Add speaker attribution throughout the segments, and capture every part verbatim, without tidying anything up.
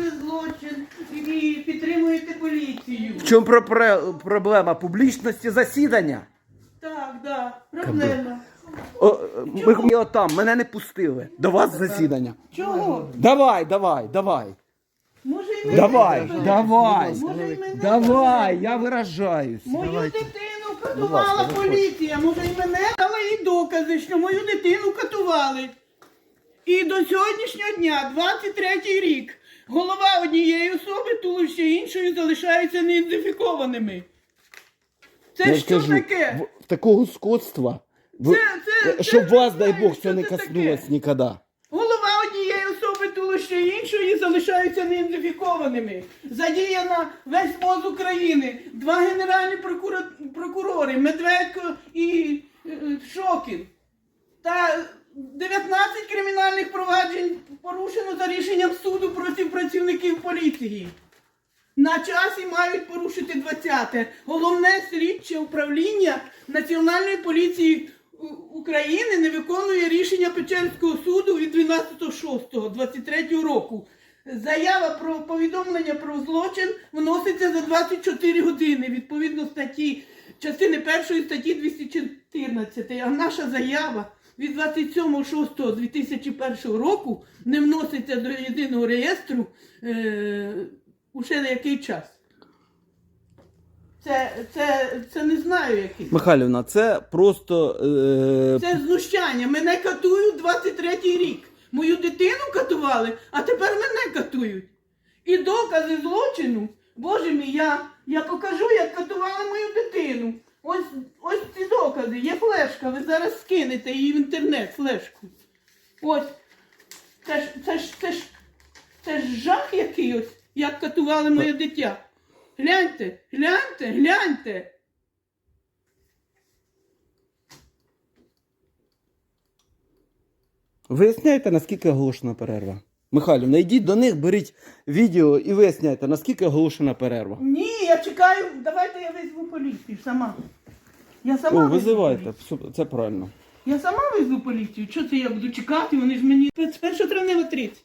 Speaker 1: злочин і підтримуєте поліцію.
Speaker 2: В чому про- про- проблема? Публічності засідання?
Speaker 1: Так, да, проблема.
Speaker 2: О, ми, ми отам, мене не пустили. До вас засідання.
Speaker 1: Чого?
Speaker 2: Давай, давай, давай.
Speaker 1: Може і мене
Speaker 2: Давай,
Speaker 1: заберете?
Speaker 2: давай.
Speaker 1: Може і мене
Speaker 2: Давай, я виражаюсь.
Speaker 1: Мою дитину катувала поліція, може і мене, дала їй докази, що мою дитину катували. І до сьогоднішнього дня, двадцять третій рік, голова однієї особи, туловище іншої залишаються неідентифікованими. Це
Speaker 2: Я
Speaker 1: що
Speaker 2: кажу,
Speaker 1: таке?
Speaker 2: в- такого скотства, в-
Speaker 1: Це- це-
Speaker 2: щоб
Speaker 1: це
Speaker 2: вас,
Speaker 1: не
Speaker 2: дай
Speaker 1: знаю,
Speaker 2: Бог,
Speaker 1: що
Speaker 2: це не
Speaker 1: це
Speaker 2: коснулось
Speaker 1: таке.
Speaker 2: ніколи.
Speaker 1: Голова однієї особи, туловище іншої залишаються неідентифікованими. Задіяна весь МОЗ України, два генеральні прокура- прокурори, Медведко і е, Шокін. Та дев'ятнадцять кримінальних проваджень порушено за рішенням суду проти працівників поліції. На часі мають порушити двадцяте. Головне слідче управління Національної поліції У- України не виконує рішення Печерського суду від дванадцятого шостого двадцять третього року. Заява про повідомлення про злочин вноситься за двадцять чотири години, відповідно статті, частини першої статті двісті чотирнадцять. А наша заява від двадцять сьомого шостого дві тисячі першого року не вноситься до єдиного реєстру е, уже на який час. Це, це, це не знаю який.
Speaker 2: Михайлівна, це просто... Е...
Speaker 1: Це знущання. Мене катують двадцять третій рік. Мою дитину катували, а тепер мене катують. І докази злочину, боже мій, я, я покажу, як катували мою дитину. Ось, ось ці докази, є флешка, ви зараз скинете її в інтернет, флешку. Ось, це ж, це ж, це ж, це ж жах який ось, як катували моє дитя. Гляньте, гляньте, гляньте.
Speaker 2: Виясняйте, наскільки оголошена перерва. Михайлівна, йдіть до них, беріть відео і виясняйте, наскільки оголошена перерва.
Speaker 1: Ні, я чекаю, давайте я визву поліцію сама. Я сама
Speaker 2: О,
Speaker 1: визву
Speaker 2: визивайте,
Speaker 1: поліцію.
Speaker 2: все, це правильно.
Speaker 1: Я сама визву поліцію. Що це я буду чекати? Вони ж мені з першого травня тридцять.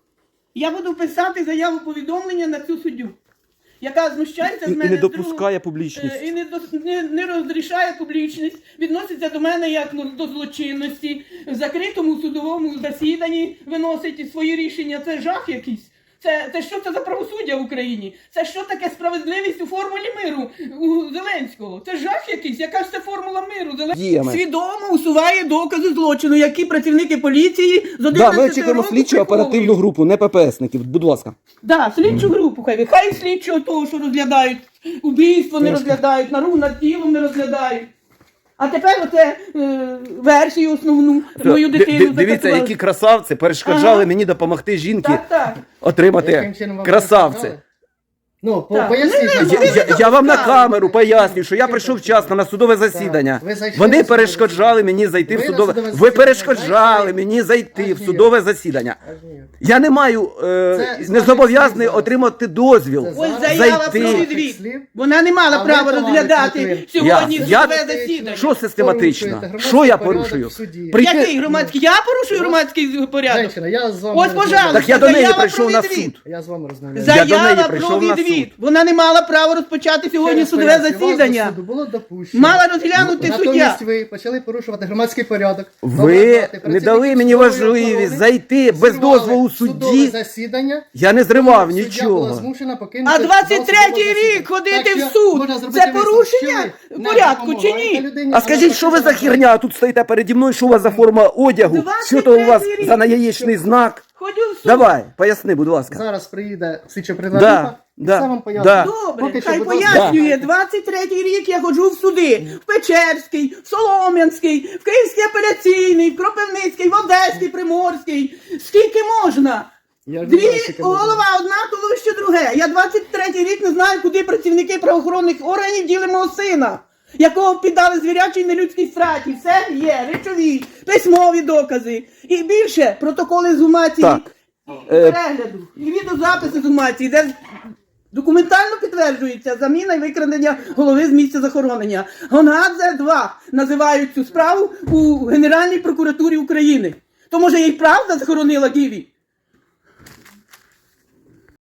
Speaker 1: Я буду писати заяву повідомлення на цю суддю, яка знущається з
Speaker 2: І,
Speaker 1: мене
Speaker 2: і не
Speaker 1: з другого-
Speaker 2: допускає
Speaker 1: Е,
Speaker 2: публічність.
Speaker 1: і не, дос- не, не розрішає публічність, відноситься до мене як ну, до злочинності, в закритому судовому засіданні виносить свої рішення. Це жах якийсь. Це, це що це за правосуддя в Україні? Це що таке справедливість у формулі миру у Зеленського? Це жах якийсь? Яка ж це формула миру? Зеленського
Speaker 2: Діями.
Speaker 1: свідомо усуває докази злочину, які працівники поліції з
Speaker 2: Да,
Speaker 1: одинадцятого
Speaker 2: ми очікуємо
Speaker 1: року
Speaker 2: слідчу оперативну
Speaker 1: приховують.
Speaker 2: групу, не ППСників, будь ласка.
Speaker 1: Да, слідчу групу хай. Хай слідчого того, що розглядають, убійство не розглядають, нару над тілом не розглядають. А тепер оце е, версію основну мою
Speaker 2: Ди-
Speaker 1: дитину
Speaker 2: ди- Дивіться,
Speaker 1: закатували.
Speaker 2: які красавці перешкоджали
Speaker 1: Ага.
Speaker 2: мені допомогти жінки
Speaker 1: Так, так.
Speaker 2: отримати
Speaker 3: Яким чином вам
Speaker 2: красавці.
Speaker 3: перешкоджали? Ну, по-
Speaker 1: Так.
Speaker 3: поясніть.
Speaker 1: Ну,
Speaker 3: нам,
Speaker 1: не-
Speaker 2: Я,
Speaker 3: будь
Speaker 2: я,
Speaker 3: ласка.
Speaker 2: я вам на камеру пояснюю, що я прийшов вчасно на судове засідання.
Speaker 3: Ви зайшли
Speaker 2: Вони
Speaker 3: на судове
Speaker 2: перешкоджали мені зайти в
Speaker 3: Ви на
Speaker 2: судове.
Speaker 3: судове
Speaker 2: Ви
Speaker 3: засідання
Speaker 2: перешкоджали
Speaker 3: зайшли?
Speaker 2: мені зайти
Speaker 3: Аж
Speaker 2: в
Speaker 3: ніяк.
Speaker 2: судове засідання.
Speaker 3: Аж ніяк.
Speaker 2: Я не маю е,
Speaker 3: Це з
Speaker 2: не
Speaker 3: ваших
Speaker 2: зобов'язаний
Speaker 3: слів зараз.
Speaker 2: отримати дозвіл.
Speaker 3: Це
Speaker 1: Ось
Speaker 3: зараз
Speaker 1: заява
Speaker 2: зайти.
Speaker 1: про
Speaker 3: Ваших
Speaker 1: відвід.
Speaker 3: слів.
Speaker 1: Вона не мала
Speaker 3: А ви,
Speaker 1: права
Speaker 3: товариш
Speaker 1: розглядати
Speaker 3: Литвин,
Speaker 1: сьогодні
Speaker 2: Я- я-
Speaker 1: судове засідання.
Speaker 2: Що систематично?
Speaker 3: Порушуєте
Speaker 2: Що я
Speaker 3: громадський
Speaker 2: порушую?
Speaker 3: порядок в суді.
Speaker 2: Прийти-
Speaker 1: Який громадський? Я порушую громадський порядок.
Speaker 3: Женщина, я з вами
Speaker 1: Ось,
Speaker 3: розмовляю.
Speaker 1: пожалуйста.
Speaker 2: Так я до неї
Speaker 1: Заява
Speaker 2: прийшов
Speaker 1: про
Speaker 2: на
Speaker 1: відвід.
Speaker 2: суд.
Speaker 3: Я з вами розмовляю.
Speaker 2: Я до неї
Speaker 1: Заява
Speaker 2: прийшов
Speaker 1: про
Speaker 2: на
Speaker 1: відвід.
Speaker 2: суд.
Speaker 1: Вона не мала права розпочати сьогодні
Speaker 3: Через
Speaker 1: судове
Speaker 3: поясню, вас до
Speaker 1: засідання.
Speaker 3: суду було допущено.
Speaker 1: Мала розглянути суддя.
Speaker 3: Натомість ви почали порушувати громадський порядок.
Speaker 2: Ви
Speaker 3: ображати
Speaker 2: не дали
Speaker 3: працівників
Speaker 2: мені
Speaker 3: судової
Speaker 2: можливість
Speaker 3: охорони,
Speaker 2: зайти без
Speaker 3: зірвали
Speaker 2: дозволу
Speaker 3: судове
Speaker 2: судді.
Speaker 3: засідання.
Speaker 2: Я не зривав
Speaker 3: Суддя була
Speaker 2: нічого.
Speaker 3: змушена покинути
Speaker 1: А
Speaker 3: зал
Speaker 1: двадцять третій
Speaker 3: судового
Speaker 1: рік
Speaker 3: засідання.
Speaker 1: ходити
Speaker 3: Так
Speaker 1: в
Speaker 3: що
Speaker 1: суд
Speaker 3: можна
Speaker 1: –
Speaker 3: зробити
Speaker 1: це
Speaker 3: висновок,
Speaker 1: порушення
Speaker 3: що ви не
Speaker 1: порядку чи
Speaker 3: допомагаєте
Speaker 1: ні?
Speaker 3: людині,
Speaker 2: А скажіть, що ви за
Speaker 3: допомагаєте.
Speaker 2: херня? Тут стоїте переді мною, що у вас за форма одягу?
Speaker 1: двадцять
Speaker 2: Що то у вас
Speaker 1: третій рік.
Speaker 2: за наяєчний знак?
Speaker 1: Ходю в суд.
Speaker 2: Давай, поясни, будь ласка.
Speaker 3: Зараз приїде слідчо
Speaker 2: Да,
Speaker 3: придатна,
Speaker 2: да,
Speaker 3: сам вам поясню.
Speaker 2: да.
Speaker 1: Добре,
Speaker 3: Поки що,
Speaker 1: хай
Speaker 3: будь ласка,
Speaker 1: пояснює.
Speaker 3: дайте.
Speaker 1: двадцять третій рік я ходжу в суди. В Печерський, в Солом'янський, в Київський апеляційний, в Кропивницький, в Одеський, Приморський. Скільки можна?
Speaker 3: Я ж не
Speaker 1: Дві
Speaker 3: знаю, скільки можна.
Speaker 1: голова, одна туловище друге. Я двадцять третій рік не знаю, куди працівники правоохоронних органів діли мого сина, якого піддали звірячій нелюдській страті. Все є, речові, письмові докази. І більше протоколи з гумації,
Speaker 2: Так.
Speaker 1: і перегляду, і відеозаписи з гумації, де документально підтверджується заміна і викрадення голови з місця захоронення. Гонгадзе два називають цю справу у Генеральній прокуратурі України. То може їй правда захоронила Гіві?